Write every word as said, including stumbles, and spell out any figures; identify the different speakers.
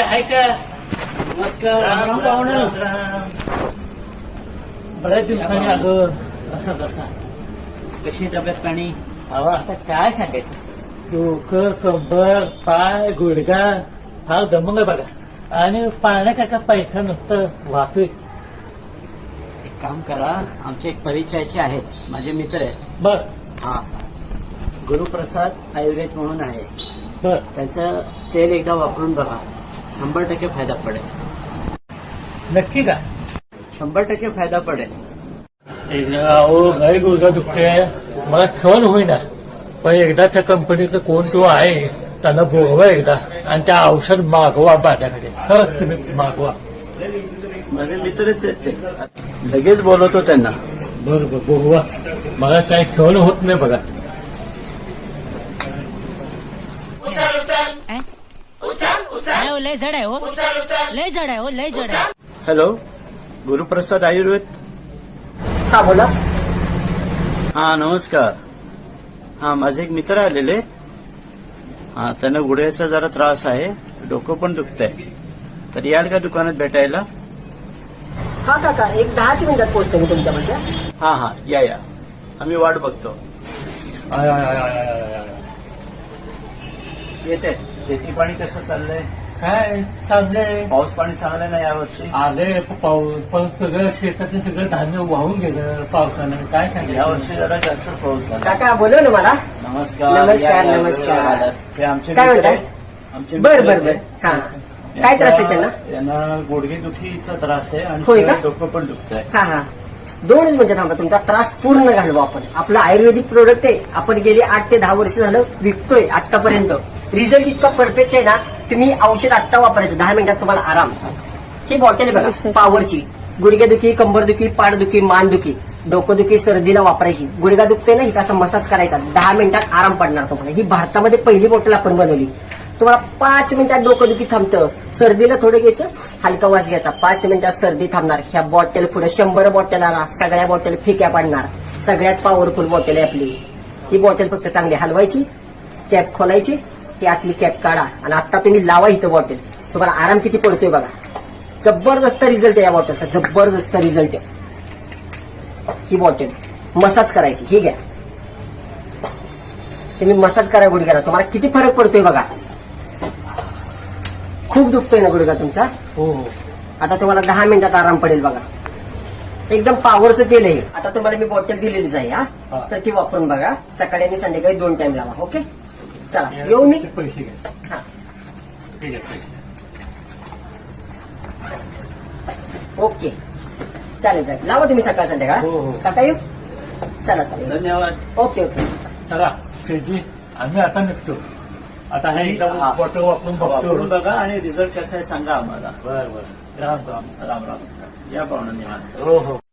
Speaker 1: आहे का?
Speaker 2: नमस्कार. राम राम पाहुणं.
Speaker 1: बऱ्याच दिवसांनी आलो.
Speaker 2: बसा बसा. कशी तब्येत पाणी?
Speaker 1: अहो आता काय सांगायचं, डोकं, कंबर, पाय, गुडघा फार दमंग आहे बघा. आणि पाण्याकरता पैसा नुसतं वाहतोय.
Speaker 2: एक काम करा, आमचे एक परिचयाचे आहेत, माझे मित्र आहेत.
Speaker 1: बर
Speaker 2: हा, गुरुप्रसाद आयुर्वेद म्हणून आहे.
Speaker 1: बर
Speaker 2: त्याचं तेल एकदा वापरून बघा, शंभर टक्के फायदा पडेल.
Speaker 1: नक्की का?
Speaker 2: शंभर टक्के फायदा पडेल.
Speaker 1: एकदा अहो गाई गुडघा दुखते, मला सहन होईना. पण एकदा त्या कंपनीचं कोण तो आहे त्यांना बोलवा एकदा, आणि त्या औषध मागवा माझ्याकडे. खरंच तुम्ही मागवा.
Speaker 2: माझे मित्रच आहेत ते, लगेच बोलवतो त्यांना.
Speaker 1: बरं बरं बोलवा. मला काही सहन होत नाही बघा.
Speaker 3: लय जड आहे हो, लय जड आहे हो, लय जड आहे.
Speaker 2: हॅलो, गुरुप्रसाद आयुर्वेद.
Speaker 3: हा बोला.
Speaker 2: हा नमस्कार. हा, माझे एक मित्र आलेले. हा, त्यांना गुडघ्याचा जरा त्रास आहे, डोकं पण दुखतंय. तर याल का दुकानात भेटायला?
Speaker 3: हा काका, एक दहाच मिनिटात पोहोचतो मी तुमच्यापाशी.
Speaker 2: हा हा, या या, आम्ही वाट बघतो.
Speaker 1: आय, आय, आय, आय, आय, आय.
Speaker 2: येते. शेती पाणी कसं चाललंय?
Speaker 1: काय चाललंय?
Speaker 2: पाऊस पाणी चांगलं नाही यावर्षी.
Speaker 1: आले पाऊस, पण सगळं शेतातलं सगळं धान्य वाहून गेलं पावसानं. काय सांगितलं
Speaker 2: यावर्षी जरा जास्त पाऊस झाला.
Speaker 3: काका बोलव ना मला.
Speaker 2: नमस्कार.
Speaker 3: नमस्कार,
Speaker 2: या, या,
Speaker 3: नमस्कार.
Speaker 2: आलात. ते आमचे
Speaker 3: काय
Speaker 2: मित्र
Speaker 3: म्हणताय?
Speaker 2: आहेत. आमचे
Speaker 3: बर
Speaker 2: मित्र
Speaker 3: बर बर.
Speaker 2: आहेत.
Speaker 3: हा, काय त्रास आहे त्यांना?
Speaker 2: त्यांना गुडघेदुखीचा त्रास आहे
Speaker 3: होय
Speaker 2: आणि
Speaker 3: का?
Speaker 2: डोकं पण दुखतंय.
Speaker 3: हा हा, दोनच म्हणजे थांबा, तुमचा त्रास पूर्ण घालवा आपण. आपलं आयुर्वेदिक प्रोडक्ट आहे, आपण गेली आठ ते दहा वर्ष झालं विकतोय आतापर्यंत. रिझल्ट इतका परफेक्ट आहे ना, तुम्ही औषध आत्ता वापरायचं, दहा मिनिटात तुम्हाला आराम. ही बॉटल आहे बघा, पॉवरची. गुडघेदुखी, कंबरदुखी, पाठदुखी, मानदुखी, डोकंदुखी, सर्दीला वापरायची. गुडघा दुखते ना, हिचा असा मसाज करायचा, दहा मिनिटात आराम पडणार तुम्हाला. ही भारतामध्ये पहिली बॉटल आपण बनवली. तुम्हाला पाच मिनिटात डोकंदुखी थांबतं. सर्दीला थोडं घ्यायचं, हलका वास घ्यायचा, पाच मिनिटात सर्दी थांबणार. ह्या बॉटल पुढे शंभर बॉटल आणा, सगळ्या बॉटल फिक्या पडणार. सगळ्यात पॉवरफुल बॉटल आहे आपली ही बॉटल. फक्त चांगली हलवायची, कॅप खोलायची, ही आतली कॅप काढा आणि आता तुम्ही लावा इथं बॉटल. तुम्हाला आराम किती पडतोय बघा. जबरदस्त रिझल्ट आहे या बॉटलचा, जबरदस्त रिझल्ट आहे. ही बॉटल मसाज करायची, ही घ्या. तुम्ही मसाज करा गुडघ्याला, तुम्हाला किती फरक पडतोय बघा. खूप दुखतोय ना गुडघा तुमचा?
Speaker 1: हो हो.
Speaker 3: आता तुम्हाला दहा मिनिटात आराम पडेल बघा. एकदम पॉवरचं तेल आहे. आता तुम्हाला मी बॉटल दिलेलीच आहे. हा,
Speaker 1: हा.
Speaker 3: तर ती वापरून बघा. सकाळी आणि संध्याकाळी दोन टाइम लावा. ओके, चला येऊ मी.
Speaker 1: पैसे घ्या.
Speaker 3: हा,
Speaker 1: ठीक आहे, पैसे.
Speaker 3: ओके, चालेल चालेल. लावा तुम्ही सकाळ संध्याकाळ.
Speaker 1: हो, हो.
Speaker 3: काका येऊ. चला चालेल.
Speaker 2: धन्यवाद.
Speaker 3: Okay okay.
Speaker 1: चला शेजी, आम्ही आता निघतो. आता हे एकदा
Speaker 2: हा.
Speaker 1: बॉटल वापरून
Speaker 2: वापरून
Speaker 1: बघतो.
Speaker 2: बघा आणि रिझल्ट कसा आहे सांगा आम्हाला.
Speaker 1: बरं बरं. राम राम.
Speaker 2: राम राम. या पाहुणं निवांत.
Speaker 1: हो हो.